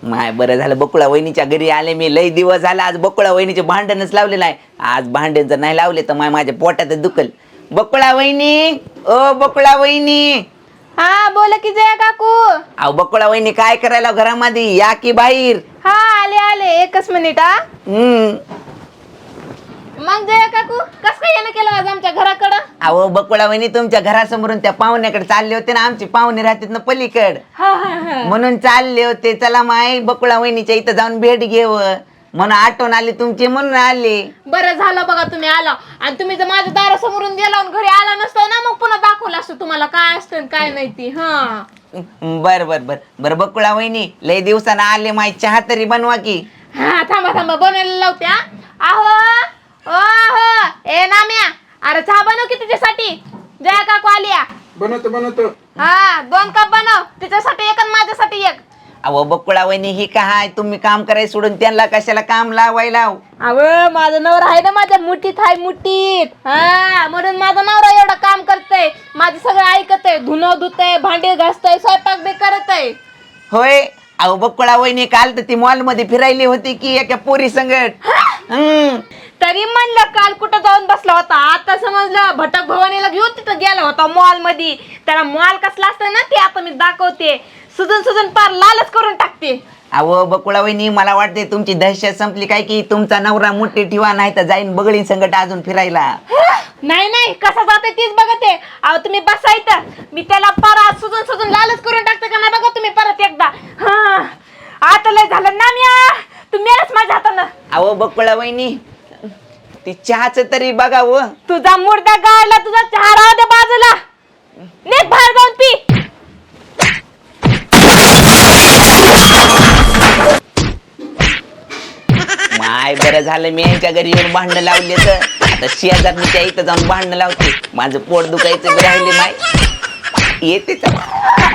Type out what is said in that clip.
माय बरं झालं बकुळा वहिनीच्या घरी आले मी. लई दिवस झाला. आज बकुळा वहिनीचे भांडणच लावलेलं आहे. आज भांडण जर नाही लावले तर माझ्या पोटात दुखल. बकुळा वहिनी, ओ बकुळा वहिनी. हा बोला की जया काकू. अहो बकुळा वहिनी काय करायला घरामध्ये, या की बाहेर. हा आले आले, एकच मिनिट. मग जया काकू कस काय येणं केलं आज आमच्या घराकडं? अहो बकुळा वहिनी तुमच्या घरासमोरून त्या पाहुण्याकडे चालले होते ना. आमची पाहुणे राहतात ना पलीकड, म्हणून चालले होते. चला माय बकुळा वहिनीच्या इथं जाऊन भेट घेव म्हणून आठवण आली तुमची, म्हणून आले. बरं झालं बघा तुम्ही आला. आणि तुम्ही जर माझ्या दारासमोरून गेला आणि घरी आला नसता ना, मग पुन्हा दाखवलं असतं तुम्हाला काय असतं काय नाही ती. हा बर बर बर बर बकुळा वहिनी लय दिवसानं आले, माय चहा तरी बनवा की. हा थांबा थांबा बनवायला लावते. आहो ओ आहो ए नाम्या, अरे चहा बनव की तिच्यासाठी. जया काकू आलिया. बनवतो. हा 2 कप बनव, तिच्यासाठी एक आणि माझ्यासाठी एक. अहो बकुळा वहिनी ही काय, तुम्ही काम करायला सोडून त्यांना कशाला काम लावायला? अव माझं नवरा आहे ना माझ्या मुठीत, आहे मुठीत. हा म्हणून माझा नवरा एवढं काम करतय, माझं सगळं ऐकतय, धुणं धुतय, भांडे घासतय, स्वयंपाक बी करतय. होय. अहो बकुळा वहिनी काल तर ती मॉल मध्ये फिरायली होती की एका पोरी संगट. तरी म्हणलं काल कुठं जाऊन बसला होता, आता समजलं भटक भवानीला घेऊन तिथं गेला होता मॉल मध्ये. त्याला मॉल कसला असतं ना ते आता मी दाखवते. सुजून पार लालच करून टाकते. अहो बकुळा वहिनी मला वाटते तुमची दहशत संपली काय की तुमचा नवरा मोठी ठेवा, नाही तर जाईन बगळी संगट अजून फिरायला. नाही नाही कसं जाते तीच बघते. अहो तुम्ही बसायचं, मी त्याला परत सुजून लालच करून टाकते का नाही बघा तुम्ही परत एकदा. हा आता लय झालं ना म्या, तू मेलच माझ्या हातानं. अहो बकुळा वहिनी ती चहाच तरी बघा. व तुझा मुर्दा गाडला, तुझा चहा राहू दे बाजूला, नीट बाहेर जाऊन पी. माय बरं झालं मी यांच्या घरी येऊन भांडणं लावले, तर आता शेजारणीच्या इथं जाऊन भांडणं लावते. माझं पोट दुखायचं बी राहिले माय. येते चला.